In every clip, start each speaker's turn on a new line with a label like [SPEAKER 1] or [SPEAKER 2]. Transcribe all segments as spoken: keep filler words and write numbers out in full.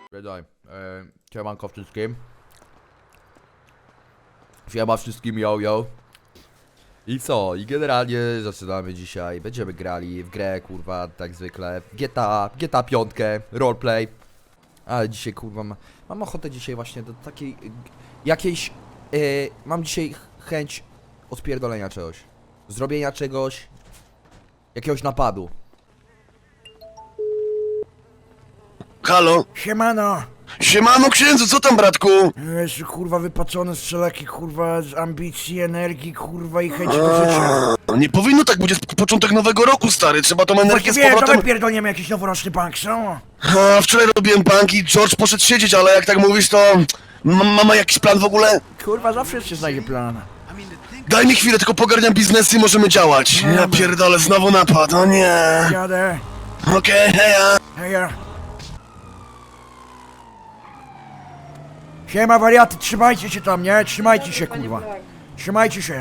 [SPEAKER 1] Wiedaj, e, siemanko wszystkim. Siema wszystkim, yo yo. I co? I generalnie zaczynamy dzisiaj. Będziemy grali w grę, kurwa, tak zwykle. G T A, G T A pięć, roleplay. Ale dzisiaj, kurwa, ma, mam ochotę dzisiaj właśnie do takiej... Jakiejś... E, mam dzisiaj chęć odpierdolenia czegoś. Zrobienia czegoś... Jakiegoś napadu.
[SPEAKER 2] Halo?
[SPEAKER 3] Siemano!
[SPEAKER 2] Siemano księdzu, co tam bratku?
[SPEAKER 3] Jest kurwa wypaczony z wszelakich kurwa z ambicji, energii, kurwa i chęci do życia.
[SPEAKER 2] A, nie powinno tak być, jest początek nowego roku, stary, trzeba tą energię z
[SPEAKER 3] Właściwie, to my
[SPEAKER 2] powrotem...
[SPEAKER 3] pierdolniemy jakiś noworoczny punk, co?
[SPEAKER 2] A, wczoraj robiłem bank i George poszedł siedzieć, ale jak tak mówisz, to... M mama jakiś plan w ogóle?
[SPEAKER 3] Kurwa, zawsze się znajdzie plan.
[SPEAKER 2] Daj mi chwilę, tylko pogarniam biznes i możemy działać.
[SPEAKER 3] No
[SPEAKER 2] Ja
[SPEAKER 3] dobra.
[SPEAKER 2] pierdolę, znowu napad, o nie.
[SPEAKER 3] Jadę.
[SPEAKER 2] Okej, heja.
[SPEAKER 3] Heja. Siema wariaty, trzymajcie się tam, nie? Trzymajcie się, kurwa. Trzymajcie się.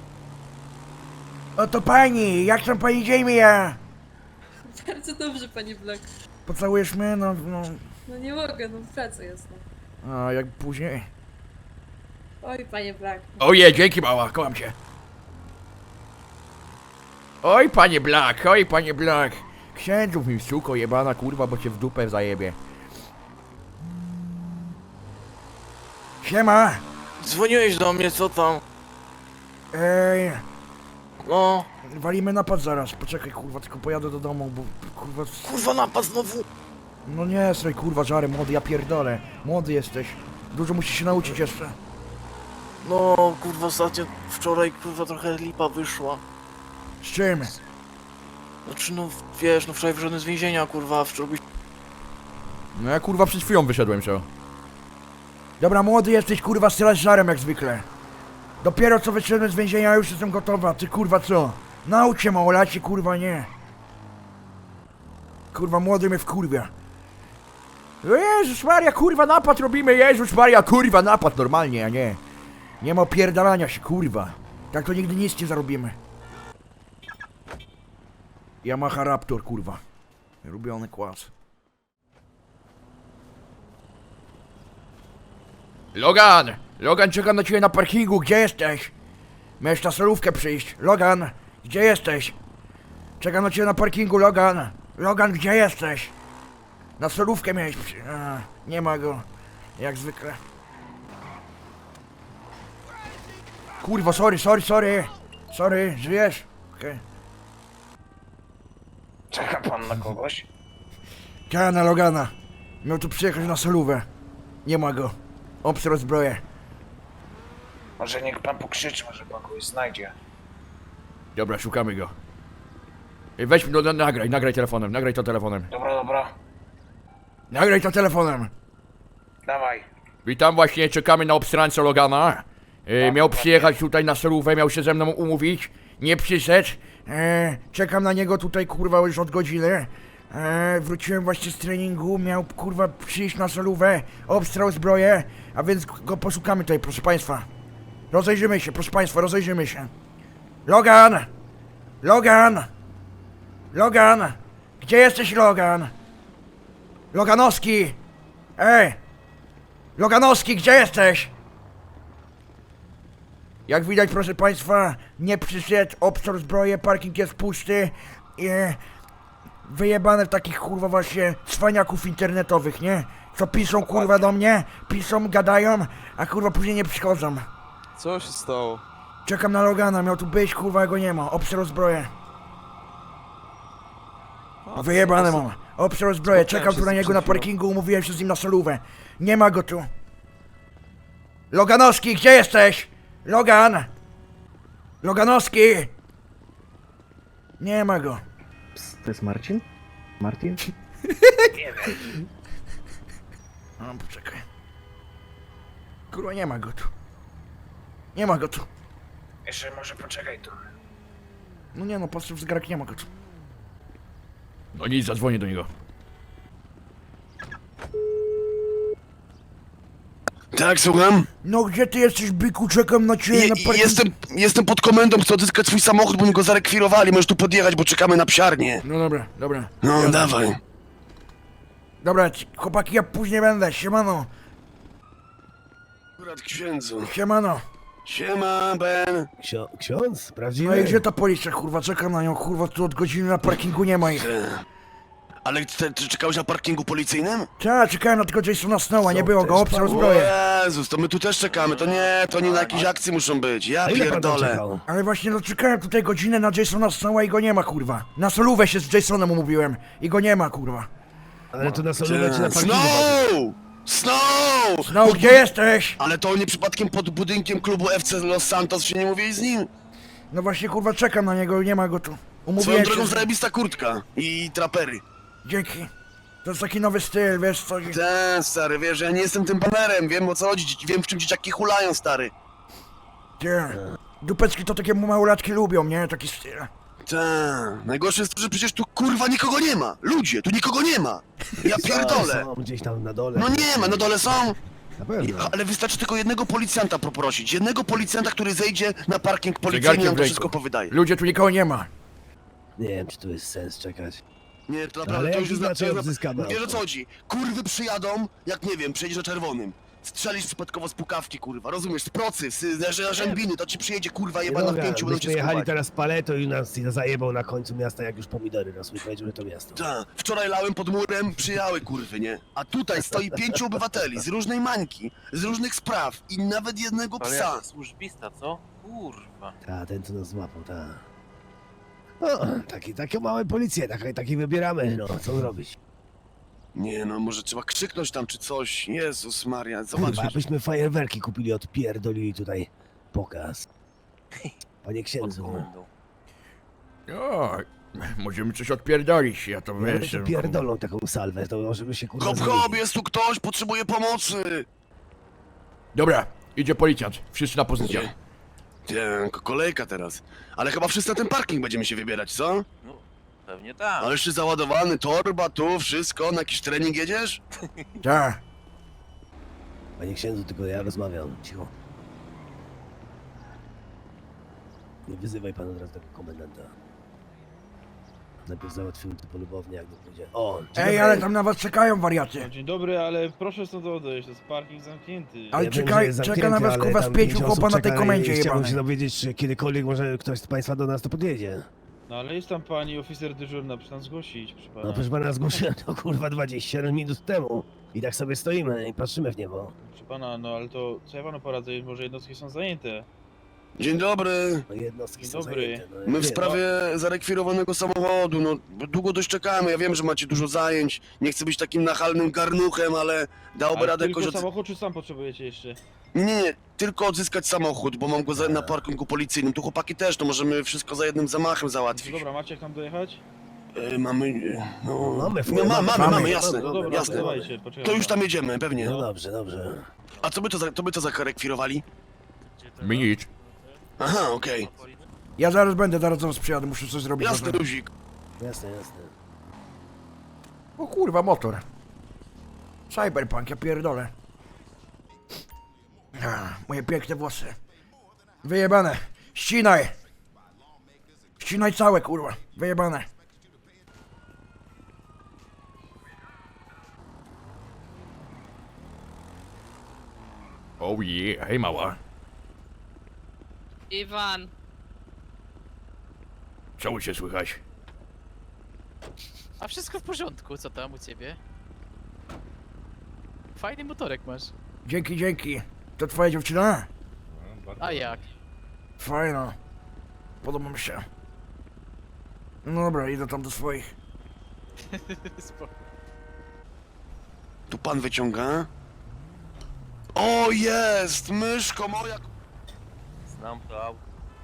[SPEAKER 3] Oto pani, jak tam pani Jamie?
[SPEAKER 4] Bardzo dobrze, panie Black.
[SPEAKER 3] Pocałujesz mnie? No, no.
[SPEAKER 4] No nie mogę, no w pracy jest. No.
[SPEAKER 3] A jak później?
[SPEAKER 4] Oj, panie Black.
[SPEAKER 3] Oje, dzięki mała, kocham cię. Oj, panie Black, oj, panie Black. Księdzów mi suko jebana, kurwa, bo cię w dupę zajebie. Siema.
[SPEAKER 5] Dzwoniłeś do mnie, co tam?
[SPEAKER 3] Ej,
[SPEAKER 5] No,
[SPEAKER 3] walimy napad zaraz. Poczekaj, kurwa, tylko pojadę do domu, bo kurwa...
[SPEAKER 5] kurwa napad znowu.
[SPEAKER 3] No nie, straj, kurwa, żary, młody, ja pierdolę. Młody jesteś. Dużo musisz się nauczyć jeszcze.
[SPEAKER 5] No, kurwa ostatnio, wczoraj, kurwa trochę lipa wyszła.
[SPEAKER 3] Z czym?
[SPEAKER 5] Znaczy no, wiesz, no wczoraj wyszedłem z więzienia, kurwa, wczoraj...
[SPEAKER 1] No ja, kurwa, przed chwilą wyszedłem się.
[SPEAKER 3] Dobra, młody jesteś, kurwa, strzelasz żarem jak zwykle. Dopiero co wyszedłem z więzienia, już jestem gotowa. Ty, kurwa, co? Naucz się, małolacie, kurwa, nie. Kurwa, młody mnie wkurwia. O Jezus Maria, kurwa, napad robimy, Jezus Maria, kurwa, napad normalnie, a nie. Nie ma opierdalania się, kurwa. Tak to nigdy nic nie zarobimy. Yamaha Raptor, kurwa. Lubiony kłas. Logan! Logan, czekam na ciebie na parkingu, gdzie jesteś? Miałeś na solówkę przyjść. Logan, gdzie jesteś? Czekam na ciebie na parkingu, Logan. Logan, gdzie jesteś? Na solówkę miałeś przyjść. A, nie ma go. Jak zwykle. Kurwa, sorry, sorry, sorry. Sorry, żyjesz? Okej. Okay.
[SPEAKER 6] Czeka pan na kogoś?
[SPEAKER 3] Czekam na Logana. Miał tu przyjechać na solówę. Nie ma go. Obstrał zbroję.
[SPEAKER 6] Może niech pan pokrzyczy, może pan kogoś znajdzie.
[SPEAKER 1] Dobra, szukamy go. Ej, weź mi, no, no, nagraj, nagraj telefonem, nagraj to telefonem.
[SPEAKER 6] Dobra, dobra,
[SPEAKER 3] Nagraj to telefonem.
[SPEAKER 6] dawaj.
[SPEAKER 1] Witam, właśnie czekamy na obstrańca Logana. E, miał przyjechać tutaj na solówę, miał się ze mną umówić. Nie przyszedł. E, czekam na niego tutaj, kurwa, już od godziny. E, wróciłem właśnie z treningu, miał, kurwa, przyjść na solówę, obstrał zbroję, a więc go poszukamy tutaj, proszę państwa. Rozejrzymy się, proszę państwa, rozejrzymy się. Logan! Logan! Logan! Gdzie jesteś, Logan? Loganowski! Ej! Loganowski, gdzie jesteś? Jak widać, proszę państwa, nie przyszedł, obszar zbroję, parking jest pusty i wyjebane w takich, kurwa, właśnie cwaniaków internetowych, nie? Co piszą, kurwa, do mnie, piszą, gadają, a kurwa później nie przychodzą.
[SPEAKER 7] Co się stało?
[SPEAKER 3] Czekam na Logana, miał tu być, kurwa, go nie ma, obszar zbroję. Wyjebane mam, obszar zbroję, czekam tu na niego na parkingu, umówiłem się z nim na solówę. Nie ma go tu. Loganowski, gdzie jesteś? Logan! Loganowski! Nie ma go.
[SPEAKER 8] To jest Marcin? Martin?
[SPEAKER 3] No, poczekaj. Kurwa, nie ma go tu. Nie ma go tu.
[SPEAKER 6] Jeszcze może poczekaj tu.
[SPEAKER 3] No nie no, patrzę w zegarek, nie ma go tu.
[SPEAKER 1] No nic, zadzwonię do niego.
[SPEAKER 2] Tak, słucham?
[SPEAKER 3] No gdzie ty jesteś, byku? Czekam na ciebie
[SPEAKER 2] Je,
[SPEAKER 3] na parkingu.
[SPEAKER 2] jestem, jestem pod komendą, chcę odzyskać swój samochód, bo mi go zarekwirowali, możesz tu podjechać, bo czekamy na psiarnię.
[SPEAKER 3] No dobra, dobra.
[SPEAKER 2] No,
[SPEAKER 3] Jadę.
[SPEAKER 2] dawaj.
[SPEAKER 3] Dobra, ci- chłopaki, ja później będę, siemano,
[SPEAKER 2] Akurat księdzu.
[SPEAKER 3] siemano.
[SPEAKER 2] Siema, Ben.
[SPEAKER 9] Ksio ksiądz? Prawdziwy?
[SPEAKER 3] No i gdzie ta policja, kurwa, czekam na nią, kurwa, tu od godziny na parkingu nie ma ich.
[SPEAKER 2] Te. Ale ty, ty czekałeś na parkingu policyjnym?
[SPEAKER 3] Ta, czekałem na tego Jasona Snowa, nie
[SPEAKER 9] Co
[SPEAKER 3] było go,
[SPEAKER 9] też
[SPEAKER 3] obsał
[SPEAKER 9] pan-
[SPEAKER 3] zbroję.
[SPEAKER 2] Jezus, to my tu też czekamy, to nie, to nie na jakiejś akcji muszą być, ja
[SPEAKER 9] A ile pan tam
[SPEAKER 2] pierdolę.
[SPEAKER 9] czekał?
[SPEAKER 3] Ale właśnie no czekałem tutaj godzinę na Jasona Snowa i go nie ma, kurwa. Na solówę się z Jasonem umówiłem i go nie ma, kurwa.
[SPEAKER 9] Ale to na solówę czy na parkingu?
[SPEAKER 2] Snow! Snow!
[SPEAKER 3] Snow, gdzie jesteś?
[SPEAKER 2] Ale to nie przypadkiem pod budynkiem klubu F C Los Santos się nie mówi z nim?
[SPEAKER 3] No właśnie, kurwa, czekam na niego, nie ma go tu.
[SPEAKER 2] Swoją
[SPEAKER 3] Umówiłem
[SPEAKER 2] drogą
[SPEAKER 3] się z...
[SPEAKER 2] zajebista kurtka i trapery.
[SPEAKER 3] Dzięki. To jest taki nowy styl, wiesz co?
[SPEAKER 2] Ten stary, wiesz, ja nie jestem tym banerem, wiem o co chodzi, wiem w czym dzieciaki hulają, stary.
[SPEAKER 3] Ty. Dupeczki to takie małolatki lubią, nie? Taki styl.
[SPEAKER 2] Tak, najgorsze jest to, że przecież tu kurwa nikogo nie ma. Ludzie, tu nikogo nie ma. Ja pierdolę.
[SPEAKER 9] Są gdzieś tam na dole.
[SPEAKER 2] No nie ma, na dole są.
[SPEAKER 9] Na
[SPEAKER 2] I,
[SPEAKER 9] pewno.
[SPEAKER 2] ale wystarczy tylko jednego policjanta poprosić. Jednego policjanta, który zejdzie na parking policyjny i
[SPEAKER 1] Zegarkiem
[SPEAKER 2] nam
[SPEAKER 1] w
[SPEAKER 2] to
[SPEAKER 1] ręku.
[SPEAKER 2] wszystko powydaje.
[SPEAKER 3] Ludzie, tu nikogo nie ma.
[SPEAKER 9] Nie wiem, czy tu jest sens czekać.
[SPEAKER 2] Nie, to
[SPEAKER 9] Ale
[SPEAKER 2] naprawdę, to
[SPEAKER 9] jak
[SPEAKER 2] już jest...
[SPEAKER 9] inaczej
[SPEAKER 2] to jest-
[SPEAKER 9] odzyskamy
[SPEAKER 2] Wiesz o
[SPEAKER 9] auto?
[SPEAKER 2] co chodzi? Kurwy przyjadą, jak nie wiem, przejedziesz na czerwonym. Strzelisz przypadkowo z pukawki, kurwa, rozumiesz? Z procy, z z rzębiny, to ci przyjedzie kurwa jebana w
[SPEAKER 9] Droga,
[SPEAKER 2] pięciu, będą
[SPEAKER 9] myśmy
[SPEAKER 2] cię
[SPEAKER 9] jechali
[SPEAKER 2] skuwać.
[SPEAKER 9] teraz paleto i nas zajebał na końcu miasta, jak już pomidory rosły. Powiedział, że to miasto.
[SPEAKER 2] Tak, wczoraj lałem pod murem, przyjały kurwy, nie? A tutaj stoi pięciu obywateli z różnej mańki, z różnych spraw i nawet jednego
[SPEAKER 5] Ale
[SPEAKER 2] psa.
[SPEAKER 5] jak służbista, co? Kurwa.
[SPEAKER 9] Ta, ten co nas złapał, ta. No, taki, takie małe policje, takie, takie wybieramy, no, co zrobić?
[SPEAKER 2] Nie no, może trzeba krzyknąć tam czy coś. Jezus Maria,
[SPEAKER 9] Kurwa,
[SPEAKER 2] zobacz.
[SPEAKER 9] abyśmy fajerwerki kupili, odpierdolili tutaj pokaz. Panie
[SPEAKER 5] Pod
[SPEAKER 9] księdzu,
[SPEAKER 5] komendą.
[SPEAKER 1] O, możemy coś odpierdolić, ja to
[SPEAKER 9] ja
[SPEAKER 1] wiesz.
[SPEAKER 9] się pierdolą taką salwę, to możemy się kurwa
[SPEAKER 2] Hop hop,
[SPEAKER 9] zamienić.
[SPEAKER 2] jest tu ktoś, potrzebuje pomocy.
[SPEAKER 1] Dobra, idzie policjant, wszyscy na pozycję.
[SPEAKER 2] Nie, ko- kolejka teraz. Ale chyba wszyscy na ten parking będziemy się wybierać, co?
[SPEAKER 5] No, pewnie tak.
[SPEAKER 2] Ale jeszcze załadowany, torba, tu, wszystko, na jakiś trening jedziesz?
[SPEAKER 3] Tak.
[SPEAKER 9] Panie księdzu, tylko ja rozmawiam, cicho. Nie wyzywaj pan od razu tego komendanta. Najpierw załatwimy to polubownie, jak nie pójdzie. O, dzień
[SPEAKER 3] Ej,
[SPEAKER 9] dobry.
[SPEAKER 3] ale tam na was czekają, wariaty.
[SPEAKER 10] Dzień dobry, ale proszę stąd odejść, to jest parking zamknięty.
[SPEAKER 3] Ale
[SPEAKER 9] Ja wiem,
[SPEAKER 3] czekaj-
[SPEAKER 9] że jest
[SPEAKER 3] czeka
[SPEAKER 9] zamknięty,
[SPEAKER 3] na was,
[SPEAKER 9] ale
[SPEAKER 3] kurwa, z
[SPEAKER 9] tam
[SPEAKER 3] pięciu
[SPEAKER 9] pięć
[SPEAKER 3] chłopa
[SPEAKER 9] osób
[SPEAKER 3] na tej
[SPEAKER 9] czeka i
[SPEAKER 3] komendzie
[SPEAKER 9] Chciałbym
[SPEAKER 3] jebanej.
[SPEAKER 9] się dowiedzieć, czy kiedykolwiek może ktoś z państwa do nas to podjedzie.
[SPEAKER 10] No ale jest tam pani oficer dyżurna, proszę tam zgłosić, proszę pana.
[SPEAKER 9] No proszę pana, zgłosiłem to kurwa dwadzieścia siedem minut temu. I tak sobie stoimy i patrzymy w niebo.
[SPEAKER 10] Proszę pana, no ale to co ja panu poradzę, może jednostki są zajęte.
[SPEAKER 2] Dzień dobry.
[SPEAKER 9] No jednostki
[SPEAKER 10] Dzień
[SPEAKER 9] są
[SPEAKER 10] dobry.
[SPEAKER 9] zajęte. No, ja
[SPEAKER 2] My w
[SPEAKER 9] wiem.
[SPEAKER 2] sprawie zarekwirowanego samochodu, no długo dość czekamy, ja wiem, że macie dużo zajęć, nie chcę być takim nachalnym garnuchem, ale dałoby
[SPEAKER 10] Ale
[SPEAKER 2] radę
[SPEAKER 10] tylko
[SPEAKER 2] jakoś... Od...
[SPEAKER 10] samochód, czy sam potrzebujecie jeszcze?
[SPEAKER 2] Nie, nie, nie, tylko odzyskać samochód, bo mam go za, na parkingu policyjnym, tu chłopaki też, to możemy wszystko za jednym zamachem
[SPEAKER 10] No
[SPEAKER 2] załatwić.
[SPEAKER 10] dobra, macie jak tam dojechać?
[SPEAKER 2] E, mamy, e, no...
[SPEAKER 9] Mamy,
[SPEAKER 2] no, ma, mamy,
[SPEAKER 3] mamy.
[SPEAKER 2] mamy, jasne,
[SPEAKER 10] No dobra, to
[SPEAKER 2] jasne.
[SPEAKER 10] dawajcie, poczekaj.
[SPEAKER 2] To już tam jedziemy, pewnie.
[SPEAKER 9] No dobrze, dobrze.
[SPEAKER 2] A co by to za, to by to zarekwirowali?
[SPEAKER 1] Mi nic.
[SPEAKER 2] Aha, okej.
[SPEAKER 3] Ja zaraz będę, zaraz do was przyjadę, muszę coś zrobić.
[SPEAKER 2] Jasny luzik.
[SPEAKER 9] Jasne, jasne.
[SPEAKER 3] O kurwa, motor. Cyberpunk, ja pierdolę. A, moje piękne włosy. Wyjebane. Ścinaj. Ścinaj całe, kurwa. Wyjebane.
[SPEAKER 1] Oh yeah, hej mała.
[SPEAKER 11] Iwan,
[SPEAKER 1] Co u się słychać?
[SPEAKER 11] a wszystko w porządku, co tam u ciebie? Fajny motorek masz.
[SPEAKER 3] Dzięki, dzięki. To twoja dziewczyna?
[SPEAKER 11] A jak?
[SPEAKER 3] Fajna. Podoba mi się. No dobra, idę tam do swoich.
[SPEAKER 11] Spoko.
[SPEAKER 2] Tu pan wyciąga. O, jest! Myszko moja
[SPEAKER 5] Znam to auto.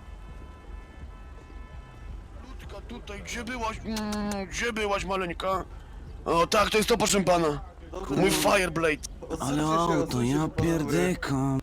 [SPEAKER 2] krótka tutaj, gdzie byłaś? Mm, gdzie byłaś, maleńka? O, tak, to jest to, proszę pana. Mój Fireblade.
[SPEAKER 6] Ale auto, ja pierdykam.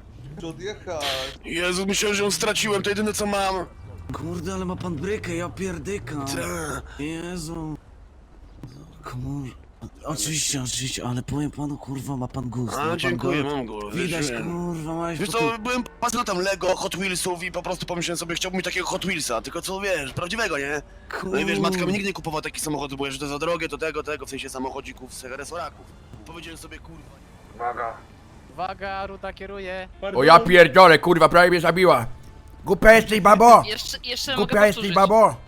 [SPEAKER 2] Jezu, myślałem, że ją straciłem, to jedyne co mam.
[SPEAKER 6] Kurde, ale ma pan brykę, ja pierdykam.
[SPEAKER 2] Ta.
[SPEAKER 6] Jezu. Komór.
[SPEAKER 5] Oczywiście, oczywiście, ale powiem panu, kurwa, ma pan gust. ma
[SPEAKER 2] A,
[SPEAKER 5] pan
[SPEAKER 2] dziękuję,
[SPEAKER 5] gust.
[SPEAKER 2] mam go.
[SPEAKER 5] Widać,
[SPEAKER 2] Wiesz,
[SPEAKER 5] kurwa, małeś
[SPEAKER 2] Wiesz co, byłem pasjonatem Lego, Hot Wheelsów i po prostu pomyślałem sobie, chciałbym mieć takiego Hot Wheelsa, tylko co wiesz, prawdziwego, nie? No i wiesz, matka mi nigdy nie kupowała takich samochodów, bo że to za drogie, to tego, tego, w sensie samochodzików z resoraków. Powiedziałem sobie, kurwa,
[SPEAKER 6] Uwaga.
[SPEAKER 11] Uwaga, Ruda kieruje.
[SPEAKER 1] O ja pierdolę, kurwa, prawie mnie zabiła.
[SPEAKER 3] Głupia jesteś, babo!
[SPEAKER 12] Jeszcze, jeszcze mogę
[SPEAKER 3] Głupia jesteś,
[SPEAKER 12] powtórzyć.
[SPEAKER 3] babo!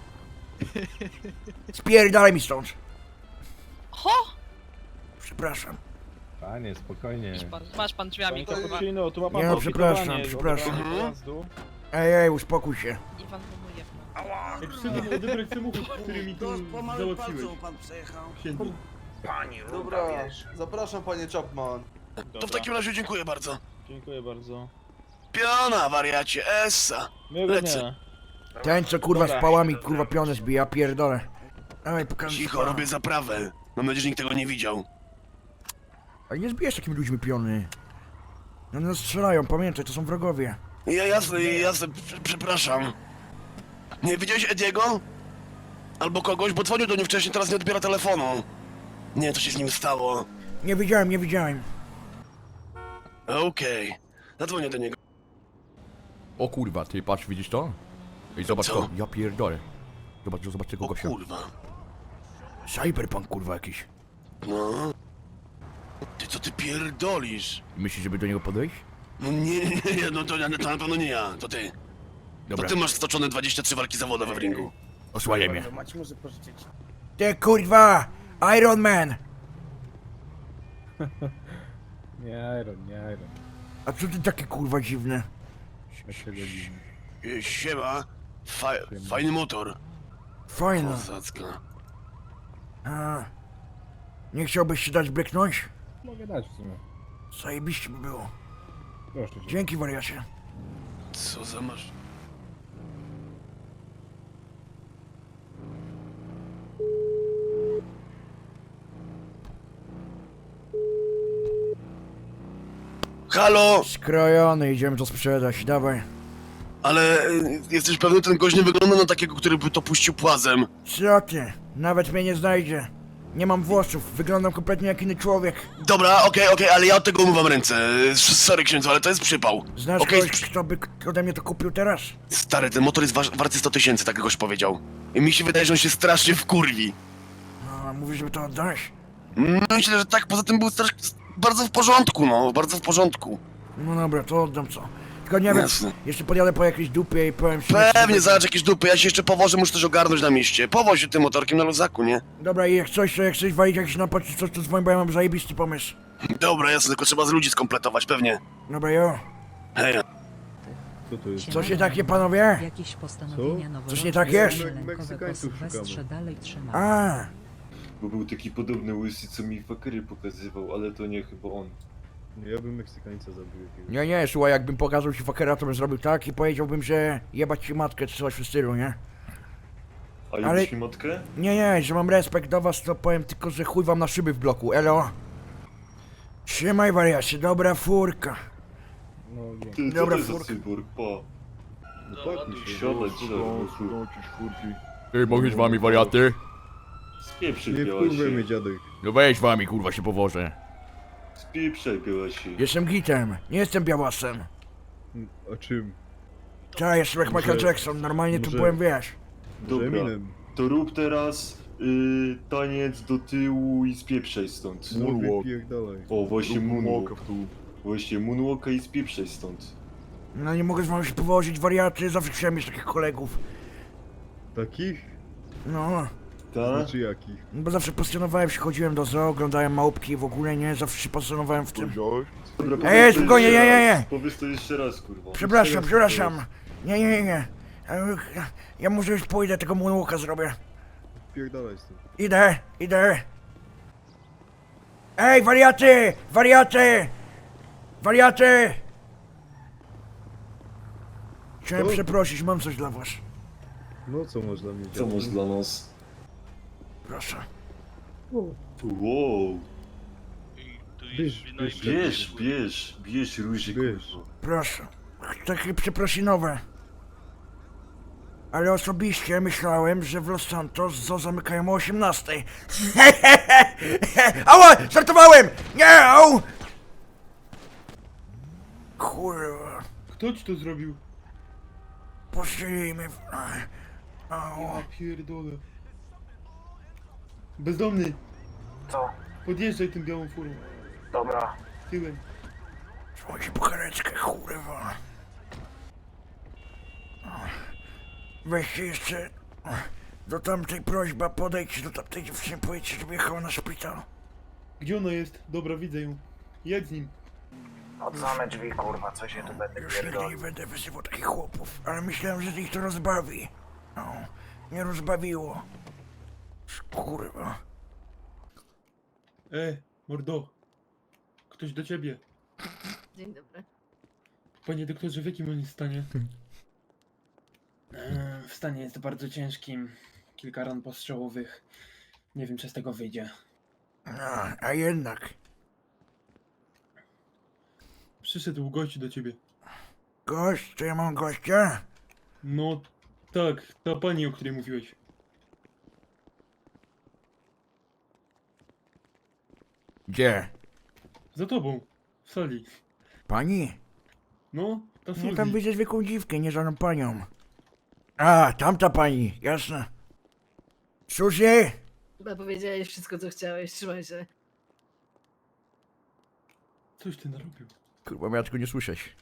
[SPEAKER 3] Spierdalaj mi stąd!
[SPEAKER 12] Ho!
[SPEAKER 3] Przepraszam.
[SPEAKER 8] Panie, spokojnie.
[SPEAKER 12] Masz pan, masz pan drzwiami,
[SPEAKER 10] Panie
[SPEAKER 12] kurwa.
[SPEAKER 10] Cappuccino, tu ma pan
[SPEAKER 3] Nie,
[SPEAKER 10] no,
[SPEAKER 3] przepraszam, przepraszam.
[SPEAKER 10] Pojazdu.
[SPEAKER 3] Ej, ej, uspokój się.
[SPEAKER 12] Iwan wymuje.
[SPEAKER 10] Odebrać samochód, który mi tu załatwiłeś.
[SPEAKER 5] pan przejechał.
[SPEAKER 6] Pani Ruda,
[SPEAKER 7] Dobra,
[SPEAKER 6] wiesz.
[SPEAKER 7] zapraszam panie Chapman.
[SPEAKER 2] to w takim razie dziękuję bardzo.
[SPEAKER 10] Dziękuję bardzo.
[SPEAKER 2] Piona, wariacie, essa.
[SPEAKER 10] Miłego
[SPEAKER 2] Lecę.
[SPEAKER 10] dnia.
[SPEAKER 3] Ten, co kurwa z
[SPEAKER 10] Dobra.
[SPEAKER 3] pałami, kurwa pionę zbija, pierdolę. Dawaj, pokażę.
[SPEAKER 2] Cicho, robię zaprawę. Mam nadzieję, że nikt tego nie widział.
[SPEAKER 3] Ale nie zbijesz takimi ludźmi piony. No nas strzelają, pamiętaj, to są wrogowie.
[SPEAKER 2] Ja jasne, jasne, prze- przepraszam. Nie widziałeś Ediego? Albo kogoś, bo dzwonił do niej wcześniej, teraz nie odbiera telefonu. Nie, to się z nim stało.
[SPEAKER 3] Nie widziałem, nie widziałem.
[SPEAKER 2] Okej, zadzwonię do niego.
[SPEAKER 1] O kurwa, ty patrz, widzisz to? Ej, zobacz
[SPEAKER 2] Co?
[SPEAKER 1] to, ja pierdolę. Zobacz, zobacz tego
[SPEAKER 2] O
[SPEAKER 1] gościa.
[SPEAKER 2] kurwa.
[SPEAKER 3] Cyberpunk, kurwa, jakiś.
[SPEAKER 2] No. Ty co ty pierdolisz?
[SPEAKER 1] Myślisz, żeby do niego podejść?
[SPEAKER 2] No nie, nie, nie, no to, ja- to na pewno nie ja, to ty. To
[SPEAKER 1] Dobra,
[SPEAKER 2] ty masz stoczone dwadzieścia trzy walki zawodowe w ringu.
[SPEAKER 1] osłaniaj mnie.
[SPEAKER 3] Ty kurwa! Iron Man!
[SPEAKER 8] Nie Iron, nie Iron.
[SPEAKER 3] A co ty takie kurwa dziwne?
[SPEAKER 2] E, Siema. Fa fajny motor.
[SPEAKER 3] Fajne.
[SPEAKER 2] Kozacka.
[SPEAKER 3] A, nie chciałbyś się dać bryknąć?
[SPEAKER 8] Mogę dać w sumie.
[SPEAKER 3] Zajebiście by było.
[SPEAKER 8] Proszę cię.
[SPEAKER 3] Dzięki, wariacie.
[SPEAKER 2] Co za masz... Halo!
[SPEAKER 3] Skrojony, idziemy to sprzedać, dawaj.
[SPEAKER 2] Ale y, jesteś pewny, ten gość nie wygląda na takiego, który by to puścił płazem.
[SPEAKER 3] Co ty? Nawet mnie nie znajdzie. Nie mam włosów, wyglądam kompletnie jak inny człowiek.
[SPEAKER 2] Dobra, okej, okej, ale ja od tego umywam ręce. Y, Sorry księdzu, ale to jest przypał.
[SPEAKER 3] Znasz
[SPEAKER 2] Okej,
[SPEAKER 3] kogoś, kto by ode mnie to kupił teraz?
[SPEAKER 2] Stary, ten motor jest wa warty sto tysięcy, tak goś powiedział. I mi się wydaje, że on się strasznie wkurwi.
[SPEAKER 3] No, mówisz, żeby to oddać?
[SPEAKER 2] No myślę, że tak, poza tym był strasznie... bardzo w porządku, no, bardzo w porządku.
[SPEAKER 3] No dobra, to oddam co. Tylko nie wiem,
[SPEAKER 2] Jasne.
[SPEAKER 3] jeszcze podjadę po jakiejś dupie i powiem ci...
[SPEAKER 2] Pewnie, zobacz jakieś dupy, ja się jeszcze powożę, muszę też ogarnąć na mieście. Powoź się tym motorkiem na luzaku, nie?
[SPEAKER 3] Dobra, i jak coś, to jak chcesz walić jakiś napad czy coś, to dzwoń, bo ja mam zajebisty pomysł.
[SPEAKER 2] Dobra, jasne, tylko trzeba z ludzi skompletować, pewnie.
[SPEAKER 3] Dobra, jo.
[SPEAKER 2] Hej,
[SPEAKER 8] Co to jest?
[SPEAKER 3] Co się takie, panowie?
[SPEAKER 13] Jakieś postanowienia noworoczne
[SPEAKER 3] Coś nie tak jest?
[SPEAKER 13] lękowego Sylwestrze dalej trzymają.
[SPEAKER 3] A,
[SPEAKER 8] Bo był taki podobny łysy, co mi fakery pokazywał, ale to nie chyba on. Ja bym Meksykańca zabił jakiegoś.
[SPEAKER 3] nie, nie, słuchaj, jakbym pokazał ci fakera, to bym zrobił tak i powiedziałbym, że jebać ci matkę, czy coś w stylu, nie?
[SPEAKER 8] A
[SPEAKER 3] Ale-
[SPEAKER 8] lubisz mi matkę?
[SPEAKER 3] Nie, nie, że mam respekt do was, to powiem tylko, że chuj wam na szyby w bloku, elo. Trzymaj, wariacie, dobra furka.
[SPEAKER 8] No, no.
[SPEAKER 3] Ty, co Dobra, to jest za furka.
[SPEAKER 8] cyborg, pa. No tak mi się siadać,
[SPEAKER 1] Ej, mogę z wami, wariaty?
[SPEAKER 8] Spieprzaj, białasie.
[SPEAKER 9] dziadek.
[SPEAKER 1] No weź z wami, kurwa, się powożę.
[SPEAKER 8] Spieprzaj, białasie.
[SPEAKER 3] Jestem gitem, nie jestem białasem.
[SPEAKER 9] A czym?
[SPEAKER 3] Ta, jestem jak Michael
[SPEAKER 9] Może-
[SPEAKER 3] Jackson, normalnie tu
[SPEAKER 9] może-
[SPEAKER 3] byłem, wiesz.
[SPEAKER 8] Dobra,
[SPEAKER 9] Eminem.
[SPEAKER 8] to rób teraz y, taniec do tyłu i spieprzaj stąd.
[SPEAKER 9] No wypierdalaj.
[SPEAKER 8] O, właśnie moonwalk. Właśnie moonwalka i spieprzaj stąd.
[SPEAKER 3] No nie mogę z wami się powozić, wariaty, zawsze chciałem mieć takich kolegów.
[SPEAKER 9] Takich?
[SPEAKER 3] No,
[SPEAKER 8] Tak?
[SPEAKER 9] Znaczy jakich?
[SPEAKER 3] no bo zawsze pasjonowałem się, chodziłem do zoo, oglądałem małpki, w ogóle nie, zawsze się pasjonowałem w tym.
[SPEAKER 8] Dobra,
[SPEAKER 3] Ej,
[SPEAKER 8] powiedz to
[SPEAKER 3] spokojnie,
[SPEAKER 8] jeszcze
[SPEAKER 3] nie, nie,
[SPEAKER 8] raz.
[SPEAKER 3] nie.
[SPEAKER 8] Powiedz to jeszcze raz, kurwa.
[SPEAKER 3] Przepraszam,
[SPEAKER 9] Teraz,
[SPEAKER 3] przepraszam. Nie, nie, nie, nie. E, Ja może już pójdę, tego moonwalka zrobię.
[SPEAKER 9] Pierdalaj stąd.
[SPEAKER 3] Idę, idę. Ej, wariaty! Wariaty! Wariaty! Chciałem
[SPEAKER 9] Co?
[SPEAKER 3] przeprosić, mam coś dla was.
[SPEAKER 9] No co masz dla mnie
[SPEAKER 8] Co masz dla nas?
[SPEAKER 3] Proszę.
[SPEAKER 8] Wow.
[SPEAKER 9] Bierz, bierz,
[SPEAKER 8] Bierz, bierz, bierz róży,
[SPEAKER 9] Bierz.
[SPEAKER 8] kurwa.
[SPEAKER 3] Proszę. Takie przeprosinowe. Ale osobiście myślałem, że w Los Santos zoo zamykają o osiemnastej. Ała! Żartowałem! Nie! Au! Kurwa.
[SPEAKER 8] Kto ci to zrobił?
[SPEAKER 3] Poszli mnie w... Au.
[SPEAKER 8] Ja pierdolę. Bezdomny,
[SPEAKER 6] Co?
[SPEAKER 8] podjeżdżaj tym białą furą.
[SPEAKER 6] Dobra.
[SPEAKER 8] Tyłem.
[SPEAKER 3] Dzwoń po karetkę, kurwa. Weźcie jeszcze... Do tamtej prośba, podejdź do tamtej dziewczyny, powiedzcie, żeby jechała na szpital.
[SPEAKER 8] Gdzie ona jest? Dobra, widzę ją. Jedź z nim.
[SPEAKER 6] Od same drzwi, kurwa, co się tu będę
[SPEAKER 3] Już nigdy nie
[SPEAKER 6] pierdolił.
[SPEAKER 3] będę wyzywał takich chłopów, ale myślałem, że ich to rozbawi. No, nie rozbawiło. Kurwa.
[SPEAKER 8] E, mordo. Ktoś do ciebie.
[SPEAKER 4] Dzień dobry.
[SPEAKER 8] Panie doktorze, w jakim on jest stanie? E, w stanie jest bardzo ciężkim. Kilka ran postrzałowych. Nie wiem, czy z tego wyjdzie.
[SPEAKER 3] A, a jednak.
[SPEAKER 8] Przyszedł gość do ciebie.
[SPEAKER 3] Gość? To ja mam gościa?
[SPEAKER 8] No, tak, ta pani, o której mówiłeś.
[SPEAKER 3] Gdzie?
[SPEAKER 8] Za tobą, w sali.
[SPEAKER 3] Pani?
[SPEAKER 8] No, ta
[SPEAKER 3] No tam
[SPEAKER 8] Suzy.
[SPEAKER 3] widzę zwykłą dziwkę, nie żadną panią. A, tamta pani, jasne. Suzy?
[SPEAKER 4] Chyba powiedziałeś wszystko, co chciałeś, trzymaj się.
[SPEAKER 8] Coś ty narobił.
[SPEAKER 1] Kurwa, miała tylko nie słyszeć.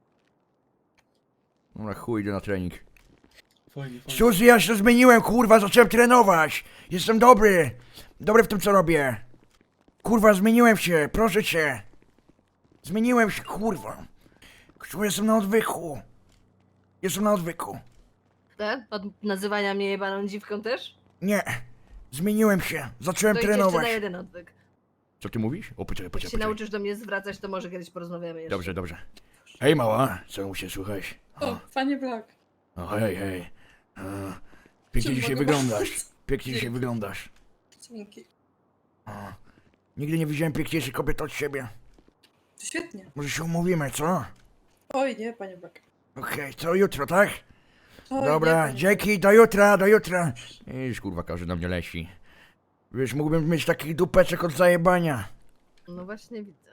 [SPEAKER 1] No na chuj, idę na trening.
[SPEAKER 8] Fajnie, fajnie.
[SPEAKER 3] Suzy, ja się zmieniłem, kurwa, zacząłem trenować. Jestem dobry. Dobry w tym, co robię. Kurwa, zmieniłem się, proszę cię. Zmieniłem się, kurwa. Kurwa, jestem na odwyku. Jestem na odwyku.
[SPEAKER 4] Tak? Od nazywania mnie jebaną dziwką też?
[SPEAKER 3] Nie. Zmieniłem się. Zacząłem
[SPEAKER 4] To idź jeszcze
[SPEAKER 3] trenować.
[SPEAKER 4] na jeden odwyk.
[SPEAKER 1] Co ty mówisz? O, poczekaj,
[SPEAKER 4] Jak
[SPEAKER 1] poczekaj,
[SPEAKER 4] się
[SPEAKER 1] poczekaj.
[SPEAKER 4] nauczysz do mnie zwracać, to może kiedyś porozmawiamy jeszcze.
[SPEAKER 1] Dobrze, dobrze. Hej, mała, co mu się słuchać?
[SPEAKER 4] O, panie Black.
[SPEAKER 1] O, hej, hej. A, pięknie
[SPEAKER 4] Czym
[SPEAKER 1] dzisiaj
[SPEAKER 4] mogę
[SPEAKER 1] wyglądasz.
[SPEAKER 4] pomóc?
[SPEAKER 1] Pięknie dzisiaj wyglądasz.
[SPEAKER 4] Dzięki.
[SPEAKER 3] O, nigdy nie widziałem piękniejszej kobiety od siebie.
[SPEAKER 4] Świetnie.
[SPEAKER 3] Może się umówimy, co?
[SPEAKER 4] Oj, nie, panie Black.
[SPEAKER 3] Okej, to jutro, tak?
[SPEAKER 4] Oj,
[SPEAKER 3] Dobra,
[SPEAKER 4] nie, panie
[SPEAKER 3] dzięki, do jutra, do jutra.
[SPEAKER 1] Iż, kurwa, każdy na mnie leci.
[SPEAKER 3] Wiesz, mógłbym mieć takich dupeczek od zajebania.
[SPEAKER 4] Black. No właśnie widzę.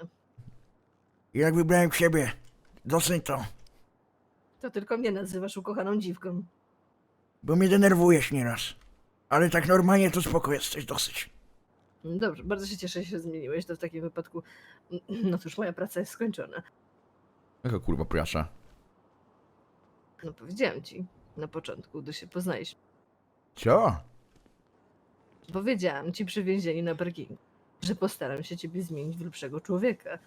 [SPEAKER 3] I jak wybrałem siebie. Dosyć to.
[SPEAKER 4] To tylko mnie nazywasz ukochaną dziwką.
[SPEAKER 3] Bo mnie denerwujesz nieraz. Ale tak normalnie to spoko jesteś, dosyć.
[SPEAKER 4] Dobrze, bardzo się cieszę, że się zmieniłeś. To w takim wypadku, no cóż, moja praca jest skończona.
[SPEAKER 1] Jaka kurwa prasa?
[SPEAKER 4] No powiedziałem ci na początku, gdy się poznaliśmy.
[SPEAKER 1] Co?
[SPEAKER 4] Powiedziałam ci przy więzieniu na parkingu, że postaram się ciebie zmienić w lepszego człowieka.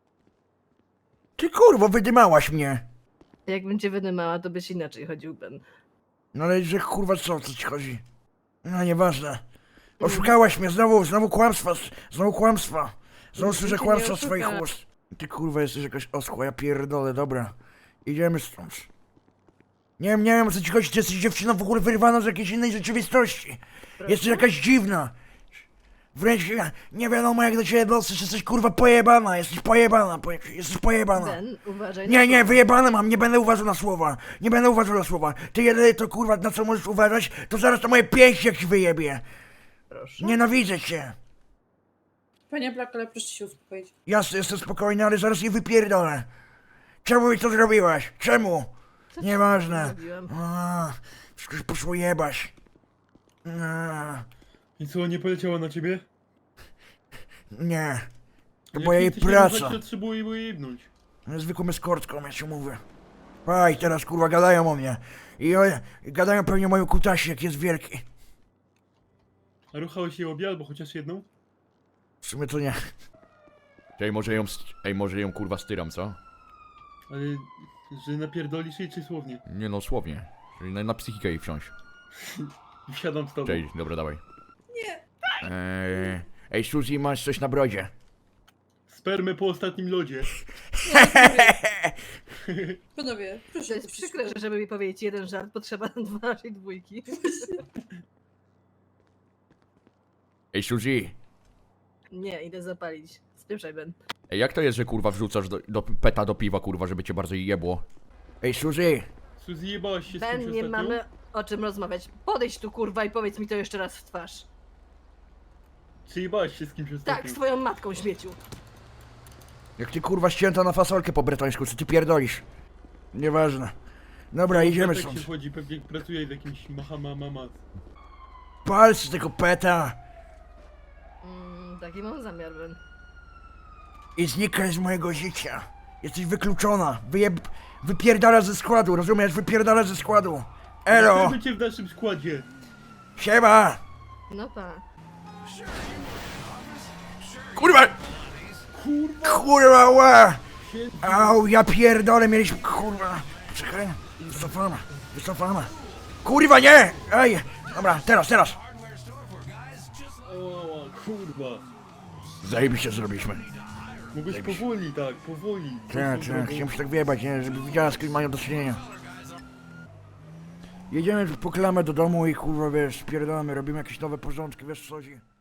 [SPEAKER 3] Ty kurwo, wydymałaś mnie.
[SPEAKER 4] Jakbym cię wydymała, to byś inaczej chodził, Ben.
[SPEAKER 3] No ale że kurwa co, o co ci chodzi? No nieważne. Oszukałaś mnie, znowu, znowu kłamstwa, znowu kłamstwa. Znowu
[SPEAKER 4] Nic
[SPEAKER 3] słyszę
[SPEAKER 4] cię
[SPEAKER 3] kłamstwa
[SPEAKER 4] nie
[SPEAKER 3] z swoich
[SPEAKER 4] oszuka.
[SPEAKER 3] ust. Ty kurwa jesteś jakaś oschła, ja pierdolę, dobra. Idziemy stąd. Nie wiem, nie wiem o co ci chodzi, ty jesteś dziewczyną w ogóle wyrwaną z jakiejś innej rzeczywistości. Jesteś jakaś dziwna. Wręcz ja- nie wiadomo jak do ciebie dosyć, jesteś kurwa pojebana, jesteś pojebana, poje, jesteś pojebana.
[SPEAKER 4] Ben, uważaj.
[SPEAKER 3] Nie,
[SPEAKER 4] na
[SPEAKER 3] nie,
[SPEAKER 4] słowa.
[SPEAKER 3] wyjebane mam, nie będę uważał na słowa. Nie będę uważał na słowa. Ty jedyne to kurwa na co możesz uważać, to zaraz to moje pięści jak ci wyjebie.
[SPEAKER 4] Proszę.
[SPEAKER 3] Nienawidzę cię.
[SPEAKER 4] Panie Black, ale proszę się uspokoić.
[SPEAKER 3] Jasne, jestem spokojny, ale zaraz je wypierdolę. Czemu mi to zrobiłaś? Czemu?
[SPEAKER 4] Co ci
[SPEAKER 3] Nieważne.
[SPEAKER 4] zrobiłem?
[SPEAKER 3] A, wszystko się poszło jebać. A,
[SPEAKER 8] I co, nie poleciała na ciebie?
[SPEAKER 3] nie. To
[SPEAKER 8] Jak
[SPEAKER 3] była
[SPEAKER 8] nie
[SPEAKER 3] jej
[SPEAKER 8] chce się
[SPEAKER 3] praca.
[SPEAKER 8] ruszać, to trzeba jej było jebnąć.
[SPEAKER 3] Zwykłą eskortką, ja ci mówię. Aj, teraz kurwa gadają o mnie. I, o, i gadają pewnie o moim kutasie, jak jest wielki.
[SPEAKER 8] A ruchałeś jej obie albo chociaż jedną?
[SPEAKER 3] W sumie to nie.
[SPEAKER 1] Ej, może ją, st- ej, może ją kurwa styram, co?
[SPEAKER 8] Ale, że napierdolisz jej czy słownie?
[SPEAKER 1] Nie no, słownie. Czyli na, na psychikę jej wsiąść.
[SPEAKER 8] Wsiadam z tobą.
[SPEAKER 1] Cześć, dobra, dawaj.
[SPEAKER 3] Eee, ej, Suzy, masz coś na brodzie.
[SPEAKER 8] Spermę po ostatnim lodzie.
[SPEAKER 4] Panowie, proszę. To jest przykre, że żeby mi powiedzieć jeden żart, potrzeba dwa naszej dwójki.
[SPEAKER 1] Ej, Suzy.
[SPEAKER 4] Nie, idę zapalić. Spieprzaj, Ben.
[SPEAKER 1] Ej, jak to jest, że kurwa wrzucasz do, do peta do piwa, kurwa, żeby cię bardziej jebło?
[SPEAKER 3] Ej, Suzy,
[SPEAKER 8] Suzy, jebałaś się z kimś
[SPEAKER 4] Ben, nie
[SPEAKER 8] ostatnio?
[SPEAKER 4] mamy o czym rozmawiać. Podejdź tu kurwa i powiedz mi to jeszcze raz w twarz.
[SPEAKER 8] Przyjebałeś się z kimś
[SPEAKER 4] Tak, z twoją matką, śmieciu.
[SPEAKER 3] Jak ty kurwa ścięta na fasolkę po bretońsku, co ty pierdolisz? Nieważne. Dobra, idziemy stąd.
[SPEAKER 8] chodzi, pewnie pracuje w jakimś mahamamama.
[SPEAKER 3] Pal z tego peta
[SPEAKER 4] Mm, taki mam zamiar, Ben.
[SPEAKER 3] i znikaj z mojego życia. Jesteś wykluczona. Wyjeb... Wypierdala ze składu, rozumiesz? Wypierdala ze składu. Elo!
[SPEAKER 8] cię w naszym składzie.
[SPEAKER 3] Siema!
[SPEAKER 4] No tak.
[SPEAKER 3] Kurwa! Kurwa, ła! Au, ja pierdolę, mieliśmy... Kurwa... Czekaj, wycofana, wycofana. Kurwa, nie! Ej! Dobra, teraz, teraz!
[SPEAKER 8] O, kurwa.
[SPEAKER 3] Zajebiście zrobiliśmy.
[SPEAKER 8] Mogłeś powoli, tak, powoli.
[SPEAKER 3] Tak, tak, chciałem się tak wyjebać, nie? Żeby widziała, z kim mają do czynienia. Jedziemy po klamę do domu i kurwa, wiesz, spierdolamy, robimy jakieś nowe porządki, wiesz co chodzi?